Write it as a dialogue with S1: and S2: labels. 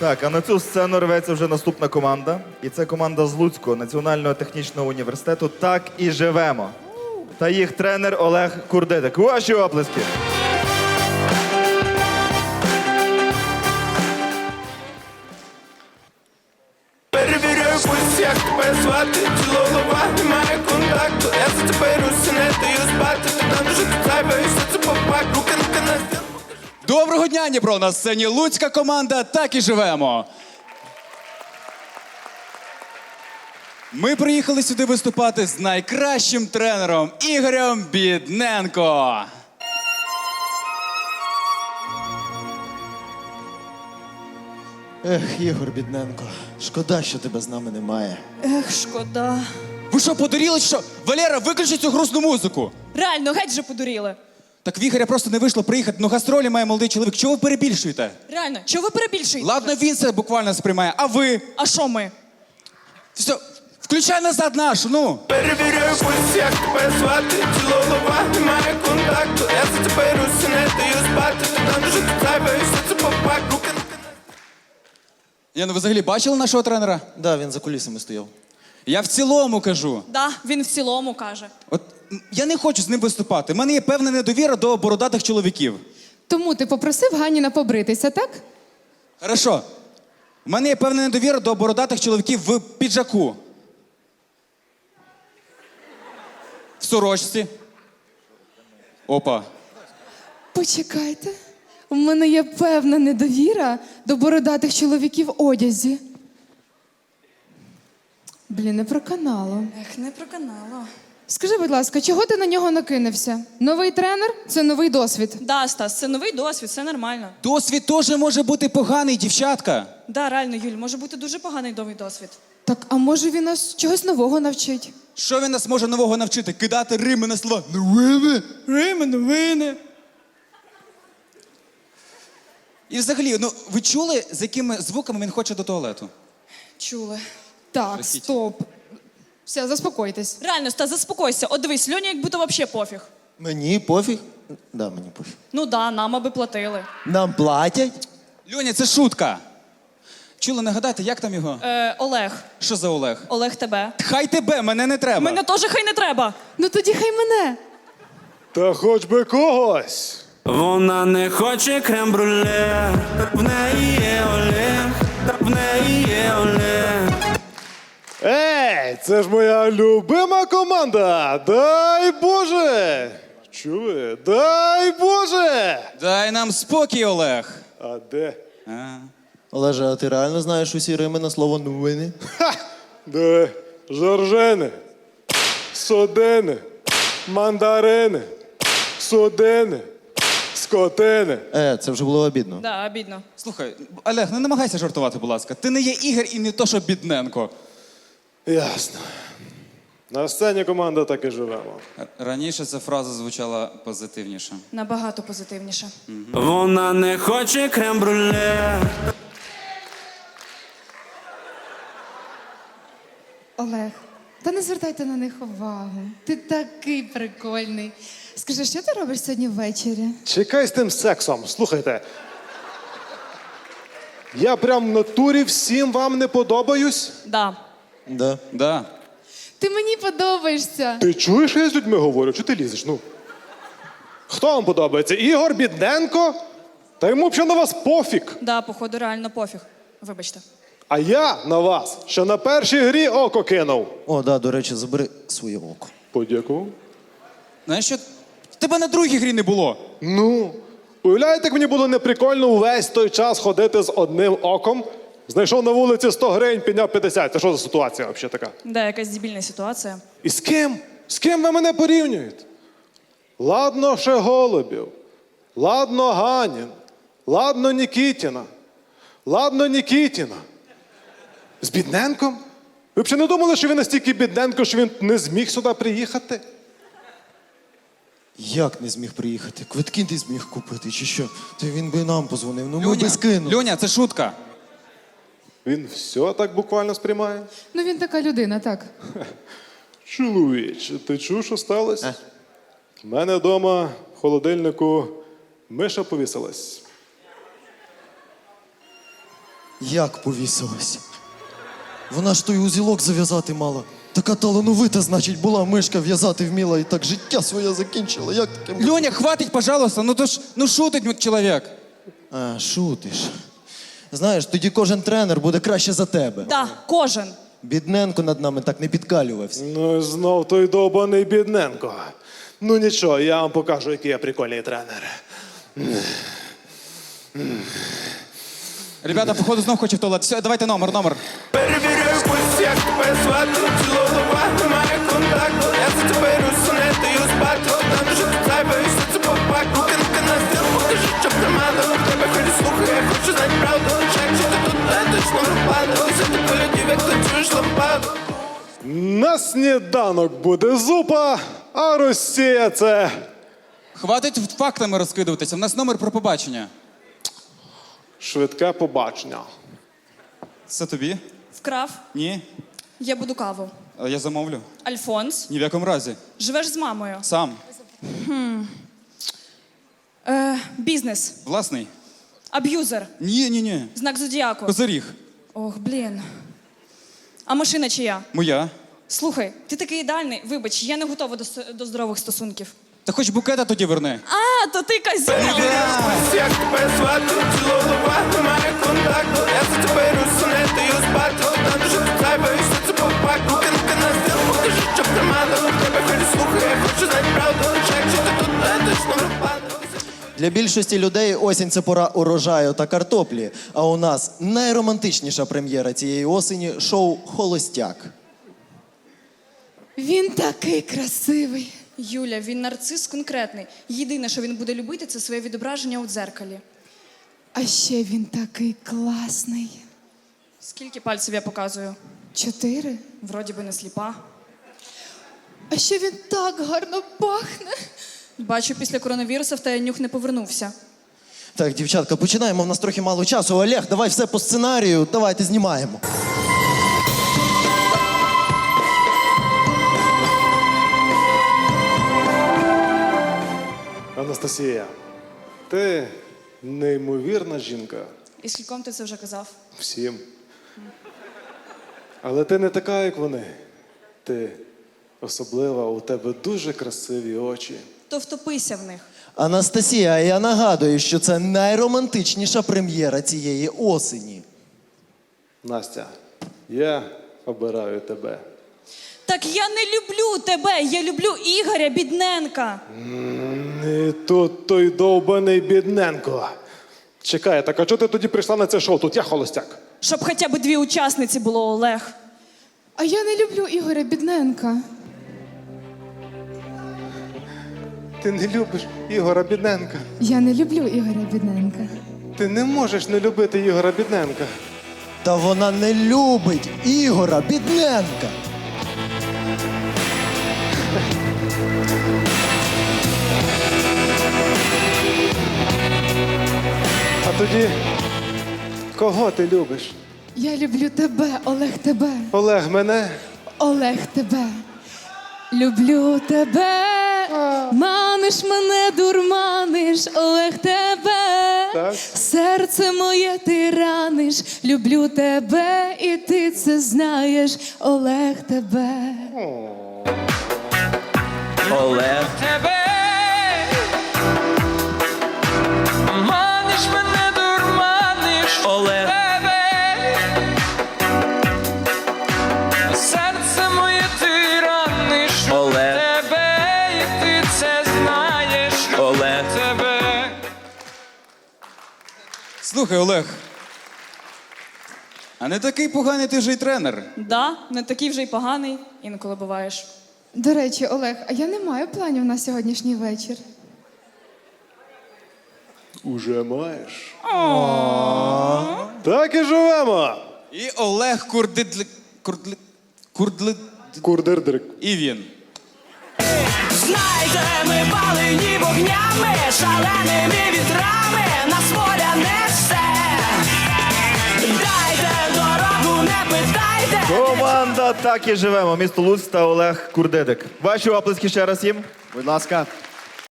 S1: Так, а на цю сцену рветься вже наступна команда. І це команда з Луцького національного технічного університету «Так і живемо». Та їх тренер Олег Курдидик. Ваші оплески.
S2: Перевіряю пульс, як тебе звати. Тіло голова, немає контакту. Я за тебе руси, не даю спати. Ти там вже тут зайве, і все це попак. Руки на стіл.
S3: Доброго дня, Дніпро! На сцені Луцька команда «Так і живемо». Ми приїхали сюди виступати з найкращим тренером Ігорем Бідненко.
S4: Ех, Ігор Бідненко, шкода, що тебе з нами немає.
S5: Ех, шкода.
S3: Ви що, подуріли, що? Валера, виключи цю грустну музику.
S5: Реально, геть же подуріли.
S3: Так в Ігоря просто не вийшло приїхати, ну гастролі має молодий чоловік. Чого ви перебільшуєте?
S5: Реально, чого ви перебільшуєте?
S3: Ладно, він це буквально сприймає, а ви?
S5: А що ми?
S3: Все, включай назад нашу, ну.
S2: Перевіряю пульс, як тебе звати. Тіло голова, немає контакту. Я за тебе руси, не даю спати. Ти там вже тут зайве, і все це попак. Руки на
S3: Я, ну ви взагалі бачили нашого тренера?
S4: Да, він за кулісами стояв.
S3: Я в цілому кажу.
S5: Да, він в цілому каже.
S3: От я не хочу з ним виступати. У мене є певна недовіра до бородатих чоловіків.
S6: Тому ти попросив Ганіна побритися, так?
S3: Хорошо. У мене є певна недовіра до бородатих чоловіків в піджаку. В сорочці. Опа.
S6: Почекайте. У мене є певна недовіра до бородатих чоловіків в одязі. Блін, не проканало.
S5: Ех, не проканало.
S6: Скажи, будь ласка, чого ти на нього накинувся? Новий тренер – це новий досвід.
S5: Да, Стас, це новий досвід, все нормально.
S3: Досвід теж може бути поганий, дівчатка.
S5: Да, реально, Юль, може бути дуже поганий новий досвід.
S6: Так, а може він нас чогось нового навчить?
S3: Що він нас може нового навчити? Кидати рими на слова. Новини?
S5: Рими, новини.
S3: І взагалі, ну ви чули, з якими звуками він хоче до туалету?
S5: Чули.
S6: Так,
S3: Простіть.
S6: стоп. Все, заспокойтесь.
S5: Реально, Стас, заспокойся. От дивись, Льоні як будто вообще пофіг.
S4: Мені пофіг? Да, мені пофіг.
S5: Ну да, нам аби платили.
S4: Нам платять?
S3: Льоня, це шутка. Чули, нагадайте, як там його?
S5: Олег.
S3: Що за Олег?
S5: Олег тебе.
S3: Хай тебе, мене не треба.
S5: Мене теж хай не треба.
S6: Ну тоді хай мене.
S7: Та хоч би когось.
S2: Вона не хоче крем-брюле, в неї є Олег, в неї є Олег.
S7: Ей, це ж моя любима команда. Дай Боже! Чули? Дай Боже!
S3: Дай нам спокій, Олег.
S7: А де?
S4: Олеже, а ти реально знаєш усі рими на слово новини?
S7: Ха! Де? Жоржини, содини, мандарини, судини, скотини.
S4: Це вже було обідно.
S5: Да, обідно.
S3: Слухай, Олег, не намагайся жартувати, будь ласка. Ти не є Ігор і не то, що Бідненко.
S7: Ясно. На сцені команда так і живемо.
S3: Раніше ця фраза звучала позитивніше.
S5: Набагато позитивніше.
S2: Вона не хоче крем-брюле.
S6: Олег, та не звертайте на них увагу. Ти такий прикольний. Скажи, що ти робиш сьогодні ввечері?
S7: Чекай з тим сексом. Слухайте. Я прям в натурі всім вам не подобаюсь.
S5: Да.
S4: Да.
S3: Да.
S6: Ти мені подобаєшся.
S7: Ти чуєш, що я з людьми говорю? Чого ти лізеш? Ну. Хто вам подобається? Ігор Бідненко? Та йому взагалі на вас пофіг.
S5: Да, походу, реально пофіг. Вибачте.
S7: А я на вас ще на першій грі око кинув.
S4: О, да, до речі, забери своє око.
S7: Подякував.
S3: Знаєш що? Тебе на другій грі не було.
S7: Ну, уявляєте, як мені було неприкольно увесь той час ходити з одним оком? Знайшов на вулиці 100 гривень, підняв 50. Це що за ситуація взагалі така?
S5: Да, якась дебільна ситуація.
S7: І з ким? З ким ви мене порівнюєте? Ладно, ще Голубів. Ладно, Ганін. Ладно, Нікітіна. Ладно, Нікітіна. З Бідненком? Ви б ще не думали, що він настільки Бідненко, що він не зміг сюди приїхати?
S4: Як не зміг приїхати? Квитки не зміг купити, чи що? Та він би нам позвонив, ну ми би скинули.
S3: Льоня, це шутка.
S7: Він все так буквально сприймає?
S6: Ну він така людина, так.
S7: Чоловіче, ти чув, що сталося? У мене вдома в холодильнику миша повісилась.
S4: Як повісилась? Вона ж той узілок зав'язати мала. Така талановита, значить, була мишка, в'язати вміла і так життя своє закінчила. Як таке? може?
S3: Льоня, хватить, пожалуйста, ну шутить чоловік.
S4: А, шутиш. Знаєш, тоді кожен тренер буде краще за тебе.
S5: Да, кожен.
S4: Бідненко над нами так не підкалювався.
S7: Ну і знов той довбаний бідненко. Ну нічого, я вам покажу, який я прикольний тренер.
S3: Ребята, походу, знов хоче в туалет. Все, давайте номер.
S2: Перевіряю пульс, як тебе звати. Тіло голова, немає контакту. Я за тебе русу, не даю спати. Там вже тут зайве, і все це попак. Руки на стіл, покажи, що примада. У тебе ході слухай, я хочу знати правду. Чек, чи ти тут не точно випадок. Все ти полюдів, як танцюєш лампаду.
S7: На сніданок буде зупа, а Росія це.
S3: Хватить фактами розкидуватися. У нас номер про побачення.
S7: Швидке побачення.
S3: Це тобі?
S5: Вкрав.
S3: Ні.
S5: Я буду каву.
S3: Я замовлю.
S5: Альфонс.
S3: Ні в якому разі.
S5: Живеш з мамою.
S3: Сам.
S5: Бізнес.
S3: Власний.
S5: Аб'юзер.
S3: Ні.
S5: Знак зодіаку.
S3: Козиріг.
S5: Ох, блін. А машина чия?
S3: Моя.
S5: Слухай, ти такий ідеальний. Вибач, я не готова до здорових стосунків.
S3: Та хоч букета тоді верни.
S5: А, то ти козел!
S2: Пульс, як тебе звати. Тіло голова, немає контакту. Я за тебе русу, не даю спати. Там вже тут зайве, і все це попак. Руки на стіл, покажи, що примада. У тебе ході слухай, я хочу знати правду. Чек, чи ти тут не точно випадок.
S4: Для більшості людей осінь – це пора урожаю та картоплі. А у нас найромантичніша прем'єра цієї осені – шоу «Холостяк».
S6: Він такий красивий.
S5: Юля, він нарцис конкретний. Єдине, що він буде любити, це своє відображення у дзеркалі.
S6: А ще він такий класний.
S5: Скільки пальців я показую?
S6: 4.
S5: Вроді би не сліпа.
S6: А ще він так гарно пахне.
S5: Бачу, після коронавірусу в тебе нюх не повернувся.
S4: Так, дівчатка, починаємо. В нас трохи мало часу. Олег, давай все по сценарію. Давайте знімаємо.
S7: Анастасія, ти неймовірна жінка.
S5: І скільком ти це вже казав?
S7: Всім. Але ти не така, як вони. Ти особлива, у тебе дуже красиві очі.
S5: То втопися в них.
S4: Анастасія, я нагадую, що це найромантичніша прем'єра цієї осені.
S7: Настя, я обираю тебе.
S5: Так я не люблю тебе, я люблю Ігоря Бідненка.
S7: І тут той довбаний бідненко. Чекай, так а чого ти тоді прийшла на це шоу? Тут я холостяк.
S5: Щоб хоча б 2 учасниці було, Олег.
S6: А я не люблю Ігоря Бідненка.
S7: Ти не любиш Ігора Бідненка.
S6: Я не люблю Ігоря Бідненка.
S7: Ти не можеш не любити Ігора Бідненка.
S4: Та вона не любить Ігора Бідненка.
S7: А тоді, кого ти любиш?
S6: Я люблю тебе, Олег, тебе.
S7: Олег мене?
S6: Олег, тебе. Люблю тебе. Маниш мене, дурманиш, Олег, тебе.
S7: Так.
S6: Серце моє ти раниш. Люблю тебе, і ти це знаєш, Олег, тебе.
S2: Олег.
S8: Тебе маниш мене, дурманиш
S2: Олег.
S8: тебе, серце моє ти раниш
S2: Олег.
S8: тебе, і ти це знаєш.
S2: Олег.
S8: Тебе.
S3: Слухай, Олег. А не такий поганий ти вже й тренер.
S5: Да, не такий вже й поганий, інколи буваєш.
S6: До речі, Олег, а я не маю планів на сьогоднішній вечір.
S7: Уже маєш. Так і живемо.
S3: І Олег
S7: Курдирдирик.
S3: І він.
S9: Знаєте, ми палені вогнями, шаленими вітрами, нас воля несе. Дайте дорогу, не питайте.
S1: Команда «Так і живемо». Місто Луцьк та Олег Курдидик. Ваші оплески ще раз їм.
S4: Будь ласка.